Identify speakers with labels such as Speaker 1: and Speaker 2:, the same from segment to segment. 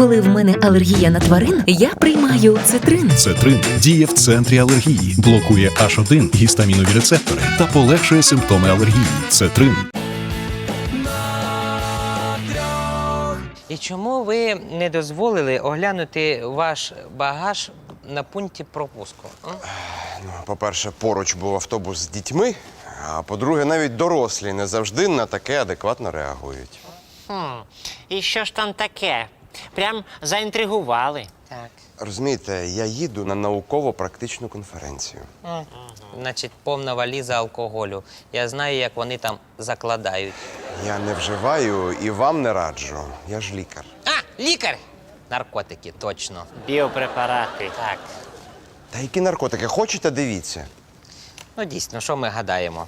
Speaker 1: Коли в мене алергія на тварин, я приймаю цитрин.
Speaker 2: Цетрин діє в центрі алергії, блокує H1 гістамінові рецептори та полегшує симптоми алергії. Цетрин.
Speaker 3: І чому ви не дозволили оглянути ваш багаж на пункті пропуску?
Speaker 4: По-перше, поруч був автобус з дітьми, а по-друге, навіть дорослі не завжди на таке адекватно реагують.
Speaker 5: І що ж там таке? Прям заінтригували.
Speaker 3: Так.
Speaker 4: Розумієте, я їду на науково-практичну конференцію.
Speaker 3: Значить, повна валіза алкоголю. Я знаю, як вони там закладають.
Speaker 4: Я не вживаю і вам не раджу. Я ж лікар.
Speaker 3: А, лікар! Наркотики, точно.
Speaker 5: Біопрепарати.
Speaker 3: Так.
Speaker 4: Та які наркотики? Хочете, дивіться.
Speaker 3: Ну, дійсно, що ми гадаємо?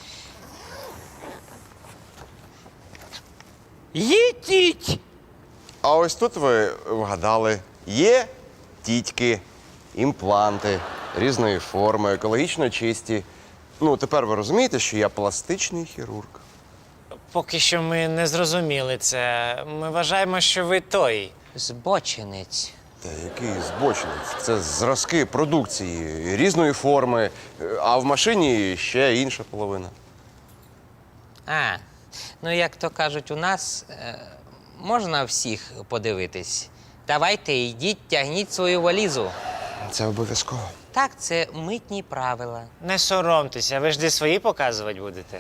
Speaker 3: Їдіть!
Speaker 4: А ось тут ви вгадали. Є тітьки, імпланти різної форми, екологічно чисті. Ну, тепер ви розумієте, що я пластичний хірург.
Speaker 5: Поки що ми не зрозуміли це. Ми вважаємо, що ви той.
Speaker 3: Збочинець.
Speaker 4: Та який збочинець? Це зразки продукції різної форми, а в машині ще інша половина.
Speaker 3: А, ну як то кажуть у нас, можна всіх подивитись. Давайте, йдіть, тягніть свою валізу.
Speaker 4: Це обов'язково.
Speaker 3: Так, це митні правила.
Speaker 5: Не соромтеся, ви ж де свої показувати будете.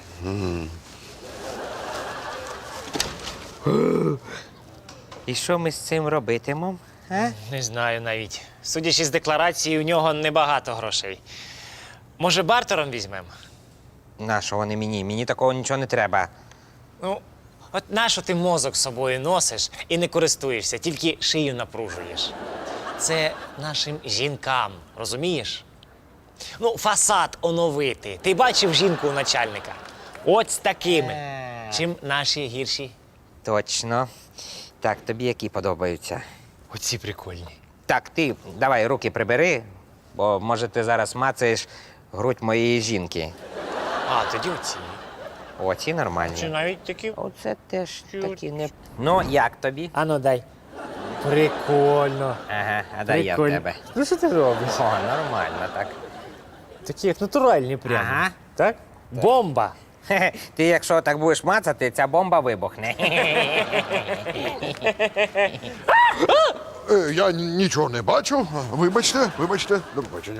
Speaker 3: І що ми з цим робитимемо? А?
Speaker 5: Не знаю навіть. Судячи з декларації, у нього небагато грошей. Може, бартером візьмемо?
Speaker 3: Нащо вони мені? Мені такого нічого не треба.
Speaker 5: Ну, от нащо ти мозок з собою носиш і не користуєшся, тільки шию напружуєш. Це нашим жінкам, розумієш? Ну, фасад оновити. Ти бачив жінку у начальника? От з такими. Чим наші гірші?
Speaker 3: Точно. Так, тобі які подобаються?
Speaker 5: Оці прикольні.
Speaker 3: Так, ти давай руки прибери, бо може ти зараз мацаєш грудь моєї жінки.
Speaker 5: А, тоді оці.
Speaker 3: Оці нормальні.
Speaker 5: Чи навіть такі?
Speaker 3: Оце теж такі не. Ну, як тобі?
Speaker 5: Ану, дай. Прикольно.
Speaker 3: Ага, а дай я в
Speaker 5: Прикольно.
Speaker 3: тебе.
Speaker 5: Ну що ти робиш?
Speaker 3: О, нормально так.
Speaker 5: Такі як натуральні прямо.
Speaker 3: Ага.
Speaker 5: Так? Бомба.
Speaker 3: Хе-хе, ти якщо так будеш мацати, ця бомба вибухне.
Speaker 6: Я нічого не бачу. Вибачте, до побачення.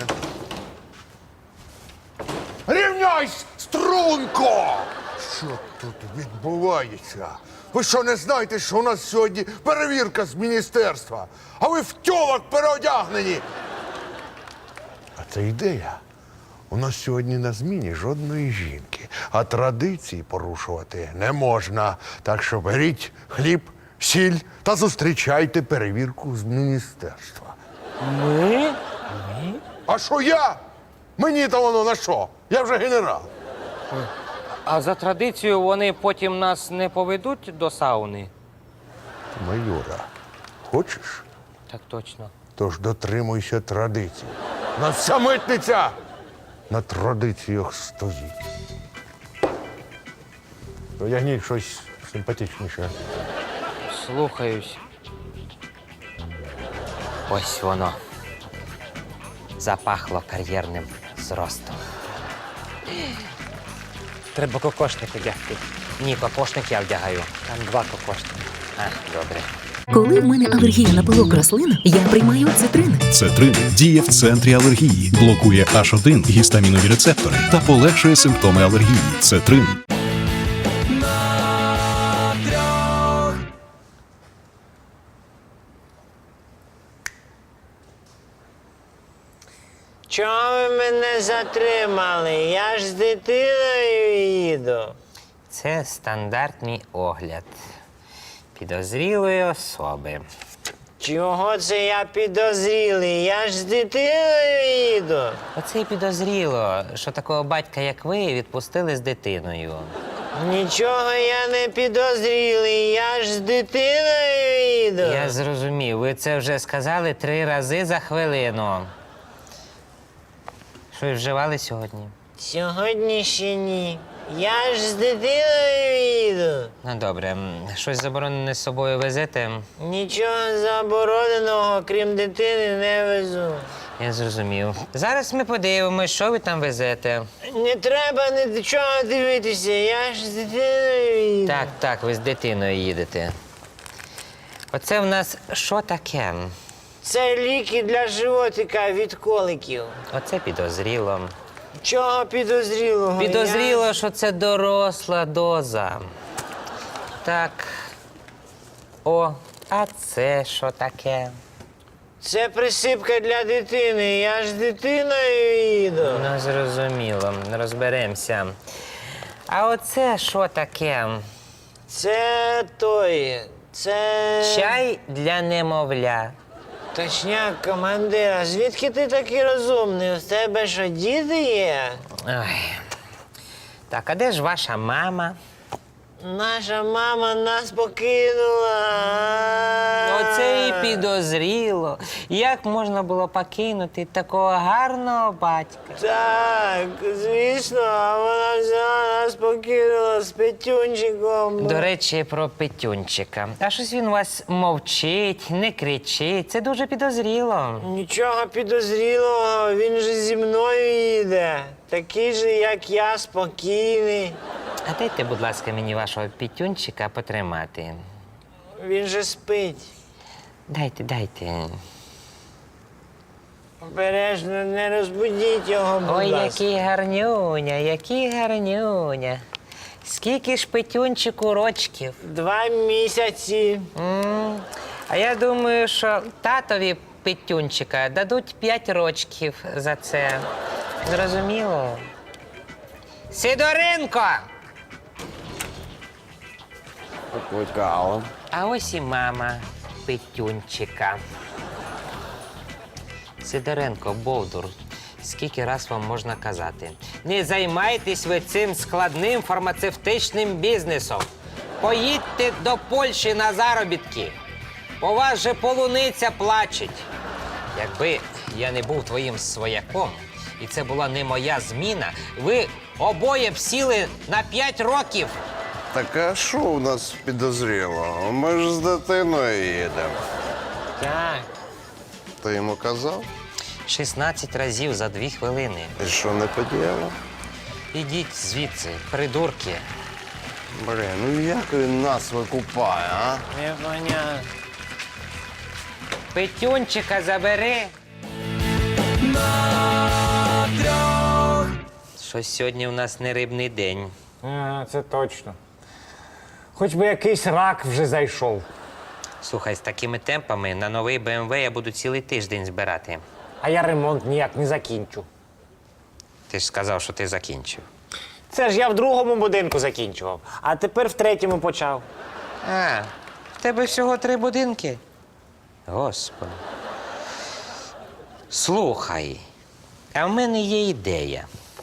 Speaker 6: Рівняйсь, струнко! Що тут відбувається? Ви що, не знаєте, що у нас сьогодні перевірка з міністерства? А ви в тьолок переодягнені! А це ідея. У нас сьогодні на зміні жодної жінки, а традиції порушувати не можна. Так що беріть хліб, сіль та зустрічайте перевірку з міністерства.
Speaker 5: Ми?
Speaker 6: А що я? Мені-то воно на що? Я вже генерал.
Speaker 3: А за традицією вони потім нас не поведуть до сауни?
Speaker 6: Майора, хочеш?
Speaker 3: Так точно.
Speaker 6: Тож дотримуйся традицій. У нас вся митниця на традиціях стоїть. Одягніть щось симпатичніше.
Speaker 3: Слухаюсь. Ось воно. Запахло кар'єрним зростом.
Speaker 5: Треба кокошник одягти.
Speaker 3: Ні, кокошник я вдягаю.
Speaker 5: Там 2 кокошники.
Speaker 3: А, добре.
Speaker 1: Коли в мене алергія на пилок рослин, я приймаю цитрин.
Speaker 2: Цетрин діє в центрі алергії, блокує H1 гістамінові рецептори та полегшує симптоми алергії. Цетрин.
Speaker 5: Чого ви мене затримали? Я ж з дитиною їду.
Speaker 3: Це стандартний огляд підозрілої особи.
Speaker 5: Чого це я підозрілий? Я ж з дитиною їду.
Speaker 3: Оце й підозріло, що такого батька, як ви, відпустили з дитиною.
Speaker 5: Нічого я не підозрілий, я ж з дитиною їду.
Speaker 3: Я зрозумів, ви це вже сказали 3 рази за хвилину. Щось вживали сьогодні?
Speaker 5: Сьогодні ще ні. Я ж з дитиною їду.
Speaker 3: Ну добре, щось заборонене з собою везете?
Speaker 5: Нічого забороненого, крім дитини, не везу.
Speaker 3: Я зрозумів. Зараз ми подивимось, що ви там везете.
Speaker 5: Не треба нічого дивитися, я ж з дитиною їду.
Speaker 3: Так, ви з дитиною їдете. Оце в нас що таке?
Speaker 5: Це ліки для животика від коликів.
Speaker 3: Оце підозріло.
Speaker 5: Чого підозрілого?
Speaker 3: Підозріло, що це доросла доза. Так. О, а це що таке?
Speaker 5: Це присипка для дитини, я ж з дитиною їду.
Speaker 3: Ну, зрозуміло, розберемося. А оце що таке?
Speaker 5: Це
Speaker 3: Чай для немовля.
Speaker 5: Точняк, командира, звідки ти такий розумний? У тебе що, діти є?
Speaker 3: Ой. Так, а де ж ваша мама?
Speaker 5: Наша мама нас покинула.
Speaker 3: Оце і підозріло. Як можна було покинути такого гарного батька?
Speaker 5: Так, звісно, а вона взяла нас покинула з Петюнчиком.
Speaker 3: До речі, про Петюнчика. А щось він у вас мовчить, не кричить. Це дуже підозріло.
Speaker 5: Нічого підозрілого, він же зі мною їде. Такий же, як я, спокійний.
Speaker 3: А дайте, будь ласка, мені вашого Петюнчика потримати.
Speaker 5: Він же спить.
Speaker 3: Дайте.
Speaker 5: Обережно, не розбудіть його, будь
Speaker 3: Ой,
Speaker 5: ласка.
Speaker 3: який гарнюня. Скільки ж Петюнчику рочків?
Speaker 5: 2 місяці.
Speaker 3: А я думаю, що татові Петюнчика дадуть 5 рочків за це. Зрозуміло? Сидоренко!
Speaker 4: Покликала.
Speaker 3: А ось і мама Петюнчика. Сидоренко, Бовдур, скільки раз вам можна казати? Не займайтесь ви цим складним фармацевтичним бізнесом. Поїдьте до Польщі на заробітки. У вас же полуниця плачеть. Якби я не був твоїм свояком, і це була не моя зміна, ви обоє б сіли на 5 років.
Speaker 4: Так а що у нас підозрілого? Ми ж з дитиною їдемо.
Speaker 5: Так.
Speaker 4: Ти йому казав?
Speaker 3: 16 разів за 2 хвилини.
Speaker 4: І що не подіяло?
Speaker 3: Ідіть звідси, придурки.
Speaker 4: Блін, ну як він нас викупає, а?
Speaker 5: Непонятно.
Speaker 3: Петюнчика забери. Щось сьогодні у нас не рибний день.
Speaker 5: Це точно. Хоч би якийсь рак вже зайшов.
Speaker 3: Слухай, з такими темпами на новий БМВ я буду цілий тиждень збирати.
Speaker 5: А я ремонт ніяк не закінчу.
Speaker 3: Ти ж сказав, що ти закінчив.
Speaker 5: Це ж я в другому будинку закінчував, а тепер в третьому почав.
Speaker 3: А, в тебе всього 3 будинки? Господи. Слухай, а в мене є ідея.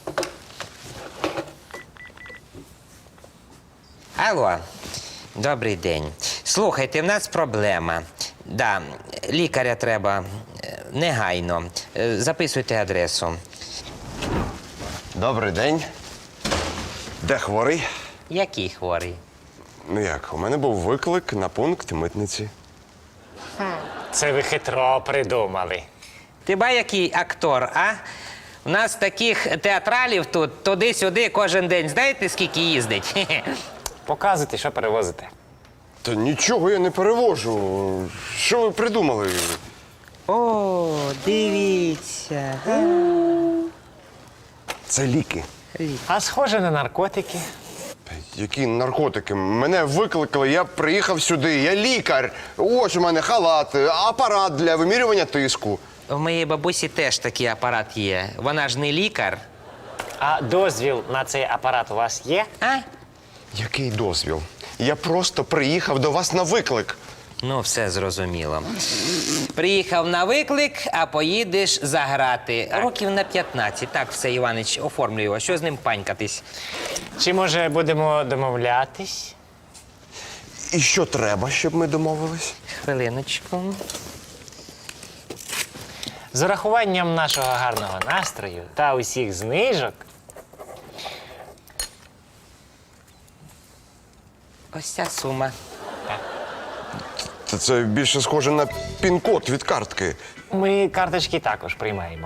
Speaker 3: Алло, добрий день. Слухайте, в нас проблема. Да, лікаря треба негайно. Записуйте адресу.
Speaker 4: Добрий день. Де хворий?
Speaker 3: Який хворий?
Speaker 4: Ну як, у мене був виклик на пункт митниці.
Speaker 5: Це ви хитро придумали.
Speaker 3: Ти ба який актор, а? У нас таких театралів тут туди-сюди кожен день. Знаєте, скільки їздить? Хе-хе.
Speaker 5: Показуйте, що перевозите.
Speaker 4: Та нічого я не перевожу. Що ви придумали?
Speaker 3: О, дивіться.
Speaker 4: Це ліки.
Speaker 5: А схоже на наркотики.
Speaker 4: Які наркотики? Мене викликали, я приїхав сюди, я лікар. Ось у мене халат, апарат для вимірювання тиску.
Speaker 3: У моєї бабусі теж такий апарат є. Вона ж не лікар.
Speaker 5: А дозвіл на цей апарат у вас є?
Speaker 3: А?
Speaker 4: Який дозвіл? Я просто приїхав до вас на виклик.
Speaker 3: Ну, все зрозуміло. Приїхав на виклик, а поїдеш заграти. Років на 15. Так, все, Іванич, оформлюй його. Що з ним панькатись?
Speaker 5: Чи, може, будемо домовлятись?
Speaker 4: І що треба, щоб ми домовились?
Speaker 3: Хвилиночку.
Speaker 5: З урахуванням нашого гарного настрою та усіх знижок
Speaker 3: ось ця сума.
Speaker 4: Та це більше схоже на пін-код від картки.
Speaker 5: Ми карточки також приймаємо.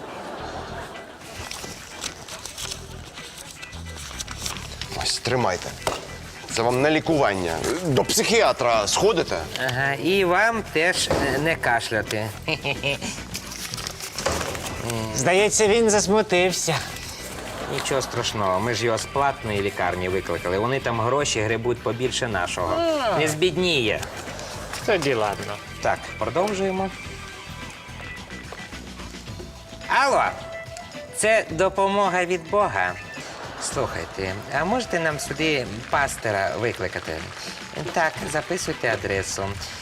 Speaker 4: Ось, тримайте. Це вам на лікування. До психіатра сходите?
Speaker 3: Ага, і вам теж не кашляти.
Speaker 5: Здається, він засмутився.
Speaker 3: Нічого страшного, ми ж його з платної лікарні викликали. Вони там гроші гребуть побільше нашого. Не збідніє.
Speaker 5: Тоді ладно.
Speaker 3: Так, продовжуємо. Алло, це допомога від Бога. Слухайте, а можете нам сюди пастора викликати? Так, записуйте адресу.